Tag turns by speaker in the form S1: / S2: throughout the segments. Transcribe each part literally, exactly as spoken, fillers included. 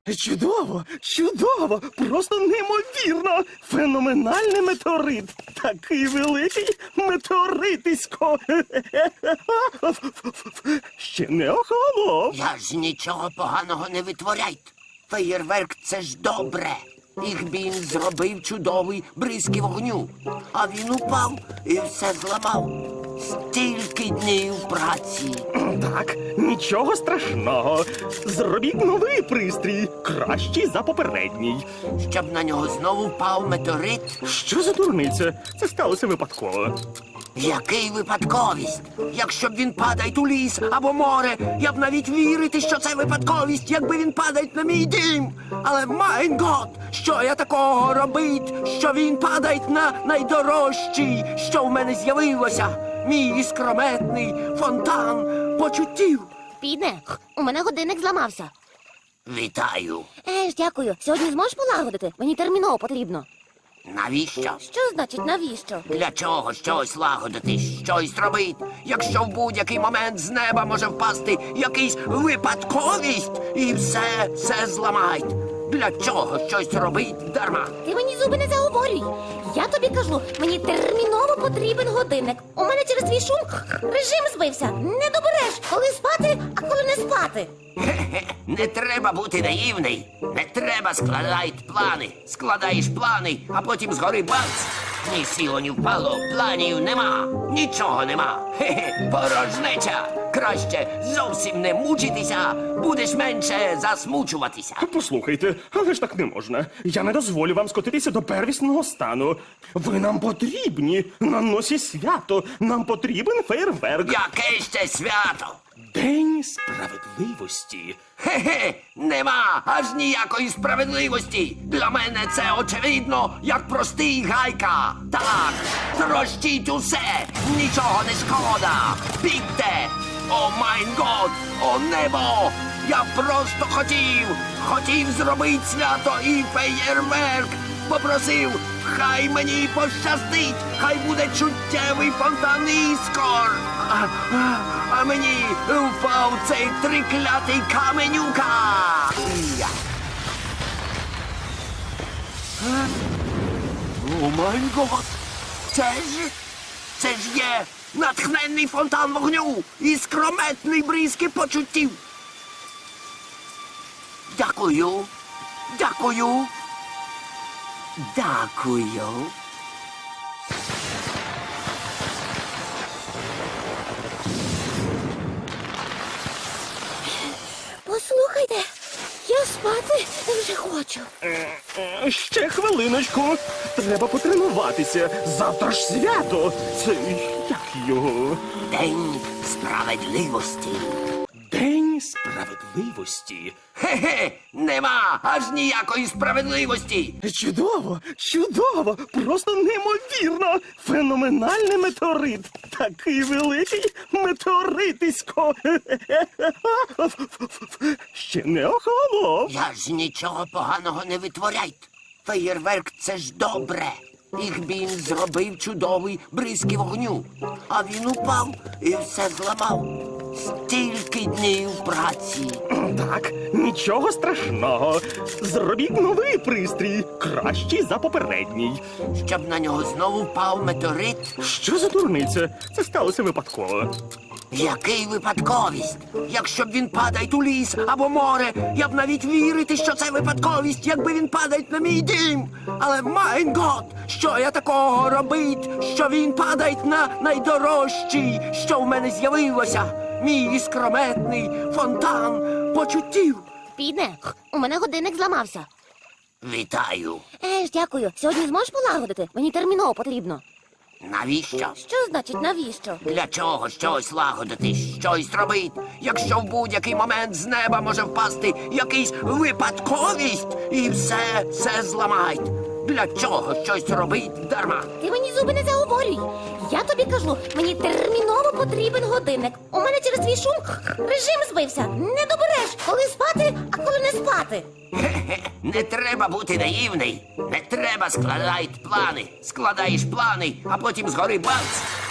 S1: Чудово, чудово, просто неймовірно. Феноменальний метеорит. Такий великий метеоритисько. Ще не охолонув.
S2: Я ж нічого поганого не витворяйте. Феєрверк – це ж добре. Ігбін зробив чудовий бризки вогню. А він упав і все зламав. Стільки днів праці.
S1: Так, нічого страшного. Зробіть новий пристрій, кращий за попередній.
S2: Щоб на нього знову впав метеорит.
S1: Що за дурниця? Це сталося випадково.
S2: Який випадковість? Якщо б він падає у ліс або море, я б навіть вірити, що це випадковість, якби він падає на мій дім. Але, майн гот, що я такого робить, що він падає на найдорожчий, що в мене з'явилося? Мій іскрометний фонтан почуттів.
S3: Піде, у мене годинник зламався.
S2: Вітаю.
S3: Еж, дякую. Сьогодні зможеш полагодити? Мені терміново потрібно.
S2: Навіщо?
S3: Що значить навіщо?
S2: Для чого щось лагодити, щось робити, якщо в будь-який момент з неба може впасти якийсь випадковість і все, все зламають? Для чого щось робить дарма?
S3: Ти мені зуби не заговорюй. Я тобі кажу, мені терміново потрібен годинник. У мене через твій шум режим збився. Не добереш, коли спати, а коли не спати.
S2: Хе-хе, не треба бути наївний. Не треба складати плани. Складаєш плани, а потім згори бац. Ні сіло, ні впало, планів нема. Нічого нема. Хе-хе, порожнеча. Краще зовсім не мучитися, будеш менше засмучуватися.
S1: Послухайте, але ж так не можна. Я не дозволю вам скотитися до первісного стану. Ви нам потрібні. На носі свято. Нам потрібен фейерверк.
S2: Яке ще свято?
S1: День справедливості.
S2: Хе-хе, нема аж ніякої справедливості. Для мене це очевидно, як простий гайка. Так, трощіть усе, нічого не шкода. Бігте! О майн год, о небо! Я просто хотів, хотів зробити свято і феєрверк. Попросив, хай мені пощастить, хай буде чуттєвий фонтан іскор. А, а, а мені впав цей триклятий каменюка. Я. Е? О май гот! Це ж, це ж є натхненний фонтан вогню і скрометний бризки почуттів. Дякую, дякую, дякую.
S3: Послухайте, я спати вже хочу.
S1: Е, Ще хвилиночку. Треба потренуватися. Завтра ж свято. Це як його?
S2: День справедливості.
S1: День справедливості.
S2: Хе-хе, нема аж ніякої справедливості.
S1: Чудово, чудово, просто неймовірно. Феноменальний метеорит. Такий великий метеоритисько. Ще не охолонув.
S2: Я ж нічого поганого не витворяйте. Феєрверк – це ж добре. Ігбін зробив чудовий бризки вогню. А він упав і все зламав. Стільки днів праці.
S1: Так, нічого страшного. Зробіть новий пристрій, кращий за попередній.
S2: Щоб на нього знову впав метеорит.
S1: Що за дурниця? Це сталося випадково.
S2: Який випадковість? Якщо б він падає у ліс або море, я б навіть вірити, що це випадковість, якби він падає на мій дім. Але, майн гот, що я такого робить, що він падає на найдорожчий, що в мене з'явилося? Мій іскрометний фонтан почуттів.
S3: Піде, у мене годинник зламався.
S2: Вітаю.
S3: Еж, дякую. Сьогодні зможеш полагодити? Мені терміново потрібно.
S2: Навіщо?
S3: Що значить навіщо?
S2: Для чого щось лагодити, щось робити, якщо в будь-який момент з неба може впасти якийсь випадковість і все, все зламають? Для чого щось робить дарма?
S3: Ти мені зуби не заговорюй. Я тобі кажу, мені терміново потрібен годинник. У мене через твій шум режим збився. Не добереш, коли спати, а коли не спати.
S2: Хе-хе, не треба бути наївний. Не треба складати плани. Складаєш плани, а потім згори бац.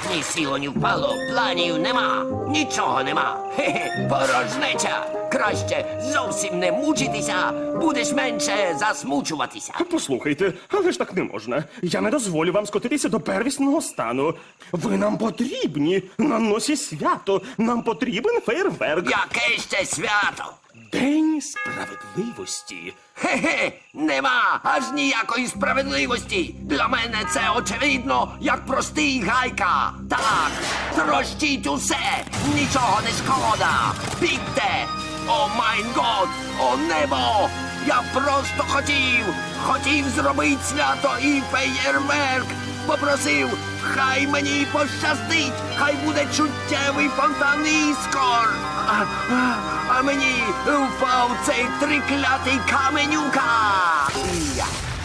S2: Ні сіло, ні впало, планів нема, нічого нема. Хе-хе, порожнеча. Краще зовсім не мучитися, будеш менше засмучуватися.
S1: Послухайте, але ж так не можна. Я не дозволю вам скотитися до первісного стану. Ви нам потрібні на носі свято. Нам потрібен фейерверк.
S2: Яке ще свято?
S1: День справедливості.
S2: Хе-хе, нема аж ніякої справедливості. Для мене це очевидно, як простий гайка. Так, трощіть усе, нічого не шкода. Бігте! О майн год, о небо! Я просто хотів, хотів зробити свято і феєрверк. Попросив, хай мені пощастить, хай буде чуттєвий фонтан іскор. А, а, а мені впав цей триклятий каменюка. Я.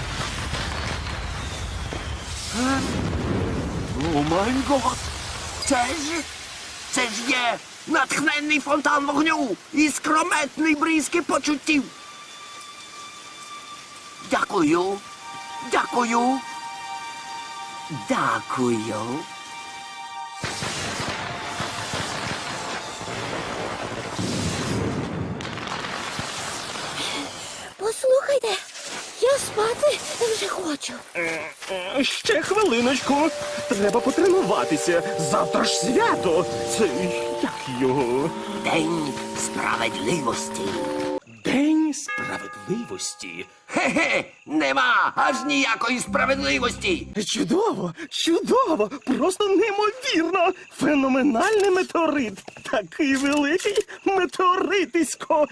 S2: Е? О май гот! Це ж, це ж є натхненний фонтан вогню і скрометний бризки почуттів. Дякую, дякую, дякую.
S3: Послухайте, я спати вже хочу.
S1: Е, Ще хвилиночку. Треба потренуватися. Завтра ж свято. Це як його?
S2: День справедливості.
S1: День справедливості.
S2: Хе-хе, нема аж ніякої справедливості.
S1: Чудово, чудово, просто неймовірно. Феноменальний метеорит. Такий великий метеоритисько.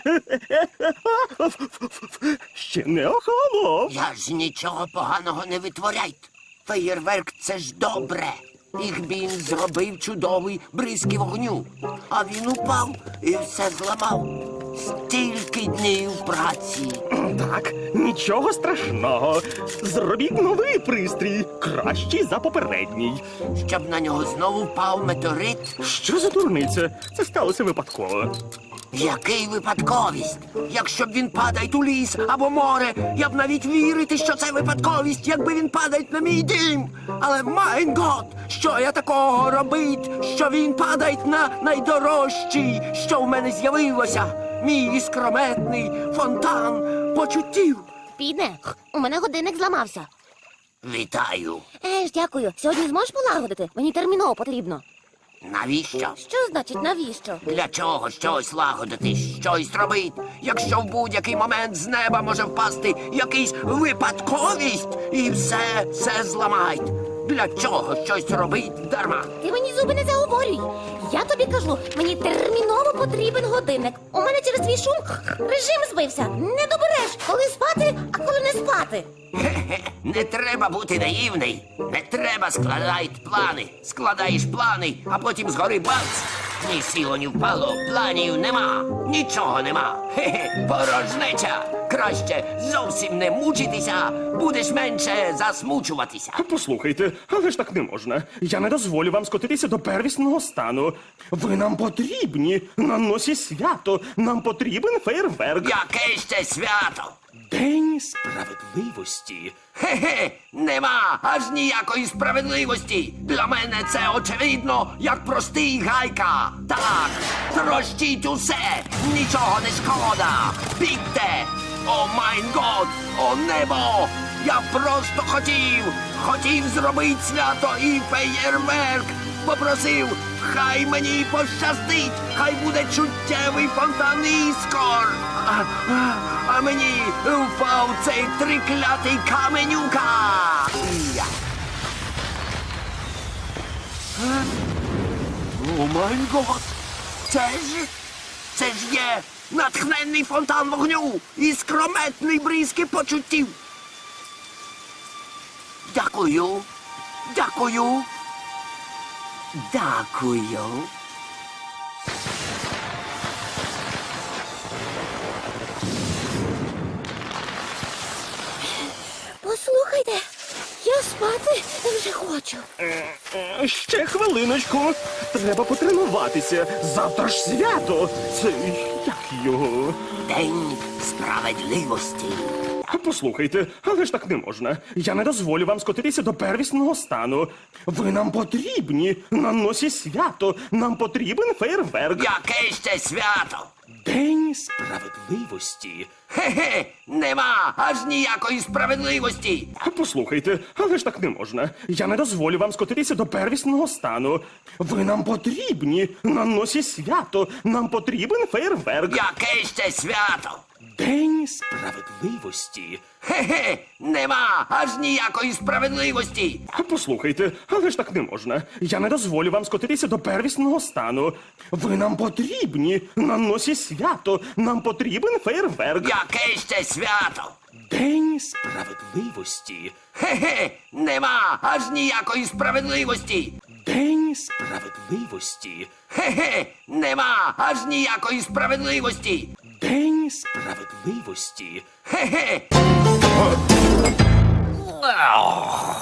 S1: Ще не охолонув.
S2: Я ж нічого поганого не витворяйте. Феєрверк — це ж добре. Їх він зробив чудовий бризки вогню. А він упав і все зламав. Стільки днів праці.
S1: Так, нічого страшного. Зробіть новий пристрій, кращий за попередній.
S2: Щоб на нього знову впав метеорит.
S1: Що за дурниця? Це сталося випадково.
S2: Який випадковість? Якщо б він падає у ліс або море, я б навіть вірити, що це випадковість, якби він падає на мій дім. Але майн гот, що я такого робить, що він падає на найдорожчий, що в мене з'явилося. Мій іскрометний фонтан почуттів.
S3: Піде, у мене годинник зламався.
S2: Вітаю.
S3: Еж, дякую. Сьогодні зможеш полагодити? Мені терміново потрібно.
S2: Навіщо?
S3: Що значить навіщо?
S2: Для чого щось лагодити, щось робити, якщо в будь-який момент з неба може впасти якийсь випадковість і все, все зламають. Для чого щось робить дарма?
S3: Ти мені зуби не заговорюй. Я тобі кажу, мені терміново потрібен годинник. У мене через твій шум режим збився. Не добереш, коли спати, а коли не спати.
S2: Хе-хе, не треба бути наївний. Не треба складати плани. Складаєш плани, а потім згори бац. Ні сіло, ні впало, планів нема, нічого нема. Хе-хе, порожнеча. Краще зовсім не мучитися, будеш менше засмучуватися.
S1: Послухайте, але ж так не можна. Я не дозволю вам скотитися до первісного стану. Ви нам потрібні на носі свято. Нам потрібен фейерверк.
S2: Яке ще свято?
S1: День справедливості.
S2: Хе-хе, нема аж ніякої справедливості. Для мене це очевидно, як простий гайка. Так, трощіть усе, нічого не шкода. Бігте! О майн год, о небо! Я просто хотів, хотів зробити свято і феєрверк. Попросив, хай мені пощастить, хай буде чуттєвий фонтан іскор. А, а, а мені впав цей триклятий каменюка. Я. Е? О май гот! Це ж, це ж є натхненний фонтан вогню і скрометний бризки почуттів. Дякую, дякую, дякую.
S3: Послухайте, я спати вже хочу.
S1: Е, Ще хвилиночку. Треба потренуватися. Завтра ж свято. Це як його?
S2: День справедливості.
S1: Послухайте, але ж так не можна. Я не дозволю вам скотитися до первісного стану. Ви нам потрібні на носі свято. Нам потрібен фейерверк.
S2: Яке ще свято?
S1: День справедливості.
S2: Хе-хе, нема аж ніякої справедливості.
S1: Послухайте, але ж так не можна. Я не дозволю вам скотитися до первісного стану. Ви нам потрібні на носі свято. Нам потрібен фейерверк.
S2: Яке ще свято?
S1: День справедливості.
S2: Хе-хе, нема аж ніякої справедливості.
S1: Послухайте, але ж так не можна. Я не дозволю вам скотитися до первісного стану. Ви нам потрібні на носі свято. Нам потрібен фейерверк.
S2: Яке ще свято?
S1: День справедливості.
S2: Хе-хе, нема аж ніякої справедливості.
S1: День справедливості.
S2: Хе-хе, нема аж ніякої справедливості.
S1: День справедливості.
S2: Хе-хе.